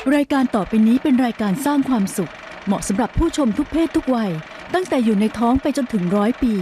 รายการต่อไปนี้เป็นรายการสร้างความสุขเหมาะสำหรับผู้ชมทุกเพศทุกวัยตั้งแต่อยู่ในท้องไปจนถึง100 ปี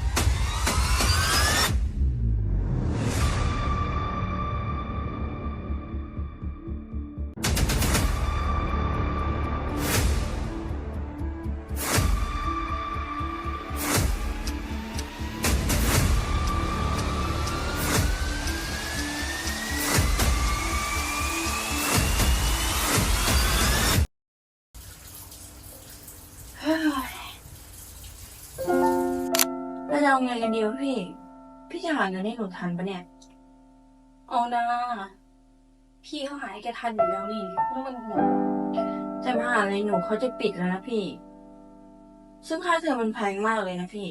เราจะเอาไงกันดีวะพี่ พี่จะหาเงินให้หนูทันปะเนี่ย เอานะพี่เขาหาให้แกทันอยู่แล้วนี่แล้วมันห่วงแต่มหาลัยหนูเขาจะปิดแล้วนะพี่ ซึ่งค่าเทอมมันแพงมากเลยนะพี่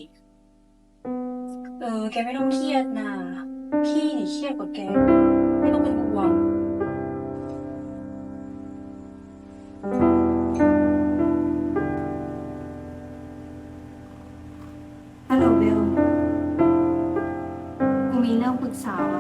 แกไม่ต้องเครียดนะพี่นี่เครียดกว่าแก ไม่ต้องเป็นห่วงฮัลโหลเบลกูมีเรื่องปรึกษาว่ะ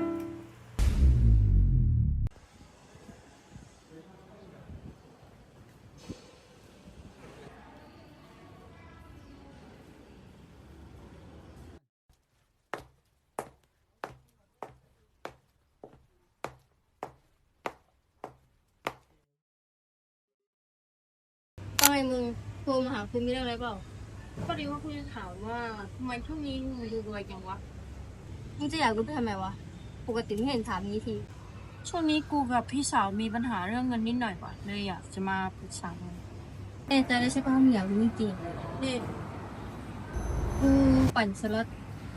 ว่าไงมึงโทรมาหาคุณมีเรื่องอะไรเปล่าพอดีว่าคุณจะถามว่าทำไมช่วงนี้มึงดูรวยจังวะมึงจะอยากรู้ไปทำไมวะปกติไม่เห็นถามนี้ทีช่วงนี้กูกับพี่สาวมีปัญหาเรื่องเงินนิดหน่อยว่ะเลยอยากจะมาปรึกษามึงแน่ใจได้ใช่ปะว่ามึงอยากรู้จริงนี่ๆกูปั่นสล็อต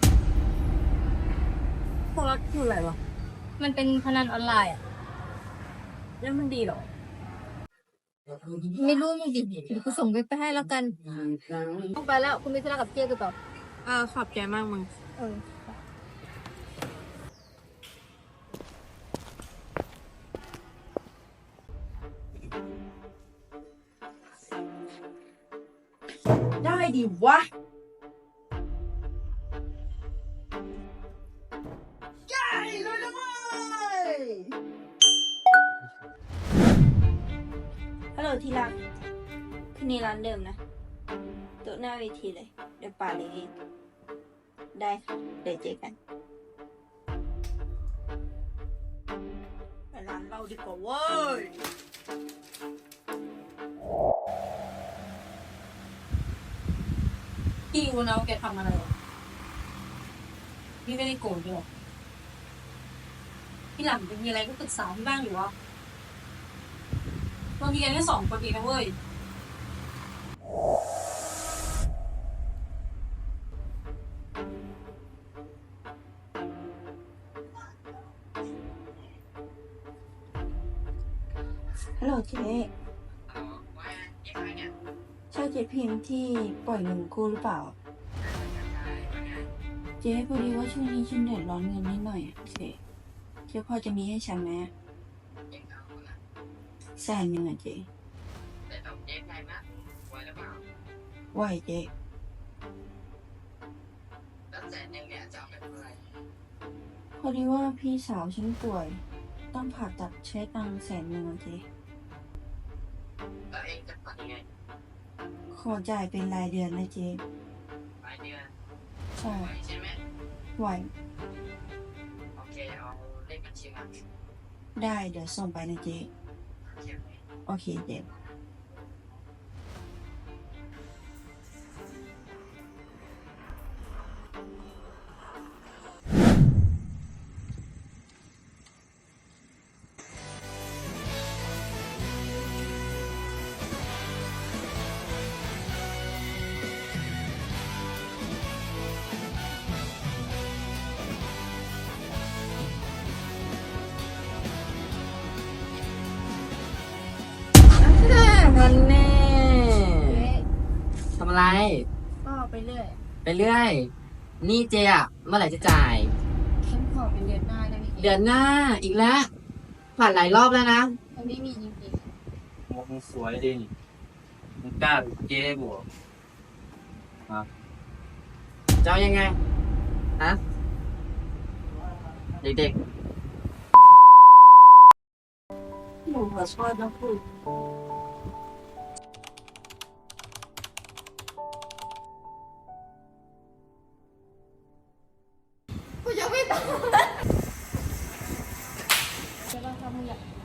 พวกรักคืออะไรวะมันเป็นพนันออนไลน์อ่ะแล้วมันดีเหรอไม่รู้มึงดิเดี๋ยวกูส่งไปให้แล้วกันต้องไปแล้วคุณมีธุระกับเจ๊กูต่อขอบใจมากมึงเออได้ดิวะได้เลยนะเว้ยฮัลโหลที่รักที่นี่ร้านเดิมนะโต๊ะหน้าเวทีเลย เดี๋ยวป่าเลยได้ค่ะเดี๋ยวเจอกันไปร้านเราดีกว่าเว้ย พี่รู้นะว่าแกทำอะไรพี่ไม่ได้โกรธหรอกพี่หลังจะมีอะไรก็ปรึกษาพี่บ้างหรือวะเรามีกันแค่2 คนเองนะเว้ยฮัลโหลเจ๊ใช่เจ๊พิมพ์ที่ปล่อยเงินกู้หรือเปล่า เจ๊พอดีว่าช่วงนี้ฉันเดือดร้อนเงินนิดหน่อยอะเจ๊พอจะมีให้ฉันไหม100,000อะเจ๊ไหวเจ๊พอดีว่าพี่สาวฉันป่วย ต้องผ่าตัดใช้ตังค์100,000อะเจ๊ขอจ่ายเป็นรายเดือนนะเจ๊ใช่ไหวได้เดี๋ยวส่งไปนะเจ๊โอเคเจ๊มันแน่ทำอะไรก็ไปเรื่อยไปเรื่อย นี่เจอะเมื่อไหร่จะจ่ายฉันขอเป็นเดือนหน้าได้ไหมเดือนหน้าอีกแล้วผ่านหลายรอบแล้วนะมันไม่มีจริงมึงสวยดิมึงกล้าเจ๊บวกจะเอายังไงฮะเด็กๆหนูขอโทษนะคุณใช่ป่ะถ้ามึงอยาก